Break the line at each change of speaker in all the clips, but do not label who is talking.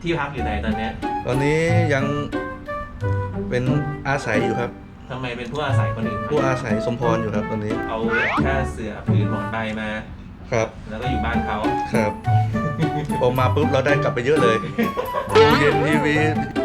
ที่พักอยู่ไหนตอนนี้
ตอนนี้ยังเป็นอาศัยอยู่ครับ
ทำไมเป็นผู้อาศัยคนอื่น
ผู้อาศัยสมพรอยู่ครับตอนนี้
เอาแค่เสือผืนหมอนใบมา
ครับ
แล้วก็อยู่บ้านเขา
ครับพอมาปุ๊บเราได้กลับไปเยอะเลยตู้เย็นทีวี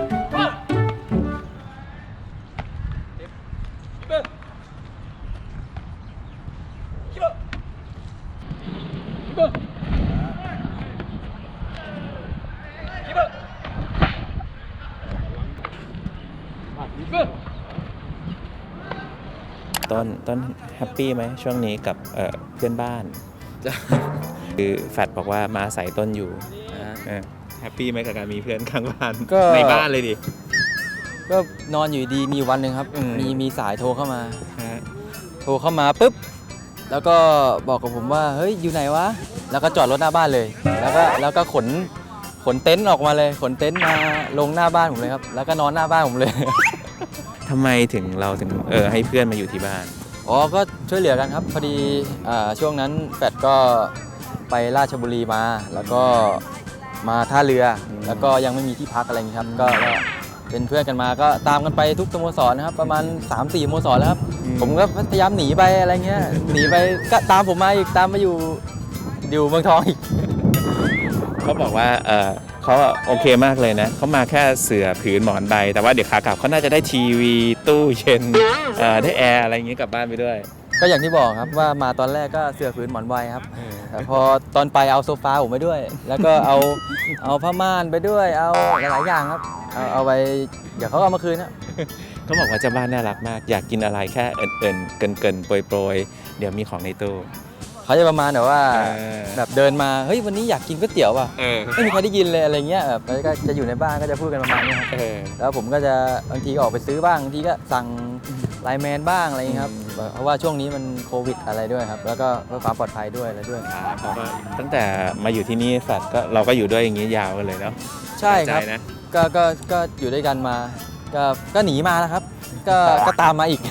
ต้นแฮปปี้ไหมช่วงนี้กับเพื่อนบ้านคือแฟดบอกว่ามาอาศัยต้นอยู่แฮปปี้ไหมกับการมีเพื่อนข้างบ้านในบ้านเลยดิ
ก็นอนอยู่ดีมีวันหนึ่งครับมีสายโทรเข้ามาปุ๊บแล้วก็บอกกับผมว่าเฮ้ยอยู่ไหนวะแล้วก็จอดรถหน้าบ้านเลยแล้วก็ขนเต็นท์ออกมาเลยขนเต็นท์มาลงหน้าบ้านผมเลยครับแล้วก็นอนหน้าบ้านผมเลย
ทำไมเราถึงให้เพื่อนมาอยู่ที่บ้าน
อ๋อก็ช่วยเหลือกันครับพอดีช่วงนั้นแฟดก็ไปราชบุรีมาแล้วก็มาท่าเรือแล้วก็ยังไม่มีที่พักอะไรอย่างนี้ครับก็เป็นเพื่อนกันมาก็ตามกันไปทุกสโมสรนะครับประมาณ 3-4 สโมสรแล้วครับผมก็พยายามหนีไปอะไรเงี้ยหนีไปก็ตามผมมาอีกตามมาอยู่เมืองทองอีก
เขาบอกว่าเขาโอเคมากเลยนะเขามาแค่เสื่อผืนหมอนใบแต่ว่าเดี๋ยวขากลับเขาน่าจะได้ทีวีตู้เย็นได้แอร์อะไรอย่างงี้กลับบ้านไปด้วย
ก็อย่างที่บอกครับว่ามาตอนแรกก็เสื่อผืนหมอนใบครับแต่พอตอนไปเอาโซฟาผมไปด้วยแล้วก็เอาผ้าม่านไปด้วยเอาหลายๆอย่างครับเอาไปเดี๋ยวเขาเอามาคืนครับ
เขาบอกว่าเจ้าบ้านน่ารักมากอยากกินอะไรแค่เกินโปรยเดี๋ยวมีของในตู้
เขาจะประมาณแบบว่าแบบเดินมาเฮ้ยวันนี้อยากกินก๋วยเตี๋ยวว่ะไม่มีใครได้ยินเลยอะไรเงี้ยแบบก็จะอยู่ในบ้านก็จะพูดกันประมาณนี้ครับแล้วผมก็จะบางทีก็ออกไปซื้อบ้างบางทีก็สั่งไลน์แมนบ้างอะไรเงี้ยครับเพราะว่าช่วงนี้มันโควิดอะไรด้วยครับแล้วก็เพื่อความปลอดภัยด้วยอะไรด้วย
เพราะว่าตั้งแต่มาอยู่ที่นี่แฟดก็เราก็อยู่ด้วยอย่างนี้ยาวกันเลยเนาะ
ใช่ครับก็อยู่ด้วยกันมาก็หนีมาแล้วครับก็ตามมาอีก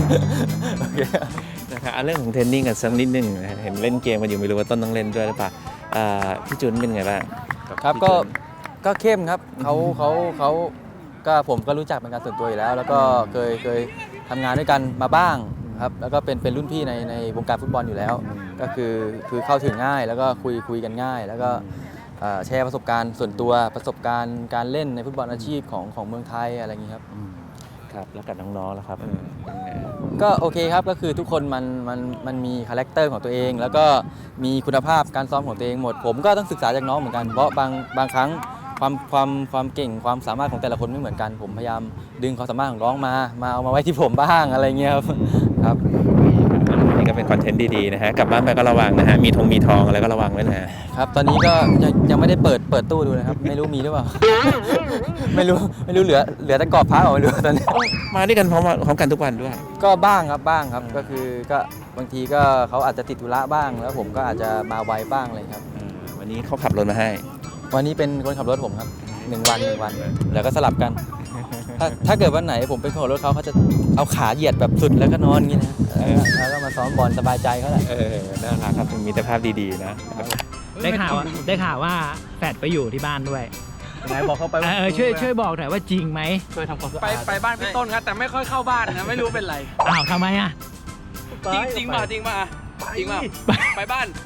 นะครับเรื่องของเทรนนิ่งกันสักนิดนึงเห็นเล่นเกมกันอยู่ไม่รู้ว่าต้นต้องเล่นด้วยหรือเปล่าพี่จุนเป็นไงบ้าง
ครับก็เข้มครับเขาก็ผมก็รู้จักเป็นการส่วนตัวอยู่แล้วแล้วก็เคยทำงานด้วยกันมาบ้างครับแล้วก็เป็นรุ่นพี่ในวงการฟุตบอลอยู่แล้วก็คือเข้าถึงง่ายแล้วก็คุยกันง่ายแล้วก็แชร์ประสบการณ์ส่วนตัวประสบการณ์การเล่นในฟุตบอลอาชีพของเมืองไทยอะไรอย่างนี้ครับ
ครับแล้วกับน้องๆล่ะครับ
ก็โอเคครับก็คือทุกคนมันมีคาแรคเตอร์ของตัวเองแล้วก็มีคุณภาพการซ้อมของตัวเองหมดผมก็ต้องศึกษาจากน้องเหมือนกันเพราะบางครั้งความเก่งความสามารถของแต่ละคนไม่เหมือนกันผมพยายามดึงความสามารถของน้องมาเอามาไว้ที่ผมบ้างอะไรเงี้ยครับ
นี่ก็เป็นคอนเทนต์ดีๆนะฮะกลับบ้านไปก็ระวังนะฮะมีทองอะไรก็ระวังไว้นะ
ครับตอนนี้ก็ยังไม่ได้เปิดตู้ดูนะครับไม่รู้มีหรือเปล่าไม่รู้เหลือแต่กรอบพระไม่รู้ตอนนี้
มาด้วยกันพร้อมกันทุกวันด้วย
ก็บ้างครับก็คือก็บางทีก็เขาอาจจะติดธุระบ้างแล้วผมก็อาจจะมาไวบ้างเลยครับ
วันนี้เขาขับรถมาให้
วันนี้เป็นคนขับรถผมครับ1 วันแล้วก็สลับกันถ้าเกิดวันไหนผมเป็นคนขับรถเขาจะเอาขาเหยียดแบบสุดแล้วก็นอนอย่างนี้นะแล้วก็มาซ้อมบอลสบายใจเขาแหละ
น่ารักครับมีแต่ภาพดีๆนะ
ได้ข่าวว่าแฟดไปอยู่ที่บ้านด้วย
ไหนบอกเขาไป
ช่วยบอกหน่อยว่าจริงไหม
ช่วยทำความสะอาดไปบ้านพี่ต้นครับแต่ไม่ค่อยเข้าบ้านนะไม่รู้เป็นไร
ทำไมอ่ะ
จริงมาไปบ้าน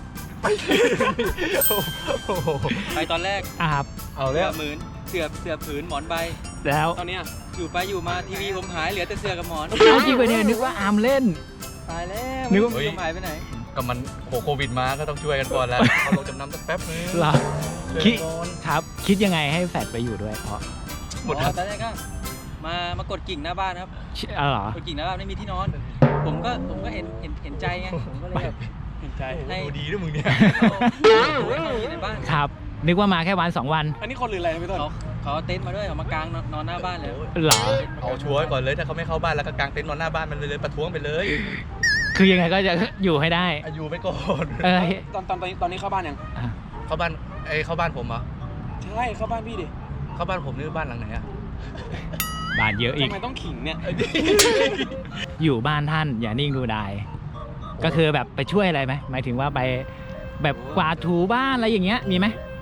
ไปตอนแรก
ครับ
เอาเรื่องเสือผืนหมอนใบ
แล้ว
ตอนนี้อยู่มาทีวีผมหายเหลือแต่เสือกับหมอน
จริงไปเนี่ยนึกว่าอาร์มเล่น
ตายแล้วนึกว่าหายไปไหน
ก็มันโควิดมาก็ต้องช่วยกันก่อนแล้วเอาลงจำนำสักแป๊บนึง
คิดยังไงให้แฟดไปอยู่ด้วยเพราะ
หมดตอนแรกก็มากดกิ่งหน้าบ้านครับ
เหร
อกดกิ่งหน้าบ้านไม่มีที่นอนผมก็เห็นใจไงผมก็เลยแบบเห็นใจ
ดูดีด้วยมึงเนี่ย
ในบ้าน
ครับนึกว่ามาแค่วัน2 วัน
อันนี้คนหรืออะไรพี่ต้นเขาเต็นท์มาด้วยเขามากางนอนหน้าบ้านเลย
เหรอ
เอาชัวร์ก่อนเลยถ้าเขาไม่เข้าบ้านแล้วก็กางเต็นท์นอนหน้าบ้านมันเลยประท้วงไปเลย
คือยังไงก็จะอยู่ให้ได้
อยู่ไปก่อน
ตอนนี้เข้าบ้านยัง
เข้าบ้านผมเหรอ
ใช่เข้าบ้านพี่ดิ
เข้าบ้านผมนี่บ้านหลังไหนอะ
บ้านเยอะอีก
ทำไมต้องขิงเนี่ย
อยู่บ้านท่านอย่านิ่งดูดายก็คือแบบไปช่วยอะไรไหมหมายถึงว่าไปแบบกวาดถูบ้านอะไรอย่างเงี้ยมีไหม
ถ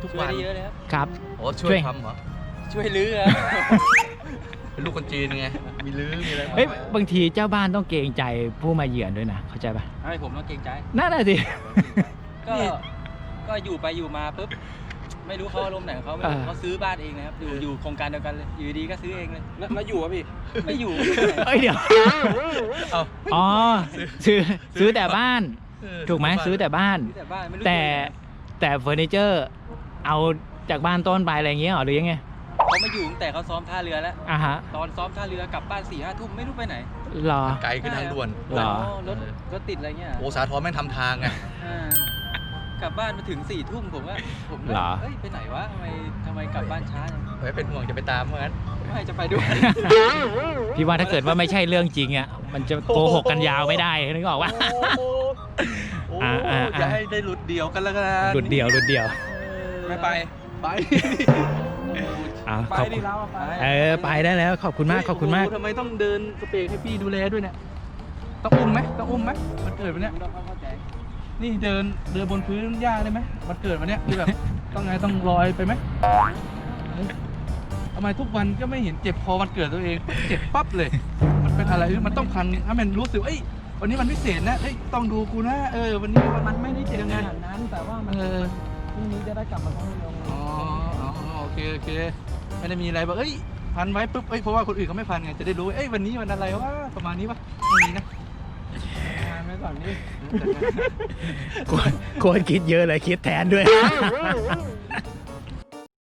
ทุก
ช่วย
วัน
ได้เยอะเลยครับ
ครับ
โอ้ช่วยทำเหรอ
ช่วยลื้อครับ
เป็นลูกคนจีนไง มีลื้อมีอะไร
เฮ้ยบางทีเจ้าบ้านต้องเกรงใจผู้มาเยือนด้วยนะเข้าใจปะ
ให้ผมต้องเกรงใจ
นั่นแหละสิ
ก็อยู่ไปอยู่มาปุ๊บไม่รู้เขาอารมณ์ไหนของเขาไม่รู้เขาซื้อบ้านเองนะครับอยู่โครงการเดียวกันเลยอยู่ดีก็ซื้อเองเลยแล้วอยู่อ่ะพี่ไม่อยู่
เอ้ยเดี๋ยว
เอา
อ๋อซื้อแต่บ้าน ถูกไหมซื้อแต่บ้าน
ซื้อแต่บ้านไม่รู้
แต่เฟอร์นิเจอร์เอาจากบ้านต้นไปอะไรอย่างเงี้ยเหรอหรือยังไง
เขามาอยู่ตั้งแต่เขาซ้อมท่าเรือแล้ว
อ่ะฮะ
ตอนซ้อมท่าเรือกลับบ้าน4-5 ทุ่มไม่รู้ไปไหน
เหรอ
ไกลขึ้นทางด่วน
เหรอ
รถติดอะไรเงี้ย
โอ้สาทรแม่งทำทางไง
กลับบ้านมาถึง4 ทุ่มผม
เหรอ
เฮ้ยไปไหนวะทำไมกลับบ้านช้าจัง
ไว้เป็นห่วงจะไปตามเหมือนกัน
ไม่จะไปด้วย
พี่ว่าถ้าเกิดว่าไม่ใช่เรื่องจริงอ่ะมันจะโกหกกันยาวไม่ได้นึกออกปะ
โอ้
อ่า
จะให้ได้หลุดเดียวกันแล้วกัน
หลุดเดียว
ไม่ไป ไป
อ่ะ
ไป
ขอบ
ดิ
คุณ
เราอะไป
ไปได้แล้วขอบคุณมากขอบคุณมาก
โโหทำไมต้องเดินสเปรย์ให้พี่ดูแลด้วยเนี่ย ต้องอุ้มไหมมันเกิดวันเนี้ย
เข้าใจ
นี่เดินบนพื้นหญ้าได้ไหมมันเกิดวันเนี้ยคือแบบ ต้องลอยไปไหมเฮ้ยทำไมทุกวันก็ไม่เห็นเจ็บพอมันเกิดตัวเอง เจ็บปั๊บเลย มันเป็นอะไรมันต้องพันถ้ามันรู้สึกเอ้ยวันนี้มันพิเศษนะเอ้ยต้องดูกูนะวันนี้มันไม่ได้เจ็บยังไง
ขนาดนั้นแต่ว่ามัน พรุ่งนี้จะได้กลับมาท่องเที่ยว
อ๋อโอเคไม่ได้มีอะไรแบบเอ้ยพันไว้ปุ๊บเพราะว่าคนอื่นเขาไม่พันไงจะได้รู้เอ้ยวันนี้วันอะไรวะประมาณนี้ปะไม่มีนะ
งานไว้ก่อนนี่
ควรคิดเยอะเลยคิดแทนด้วย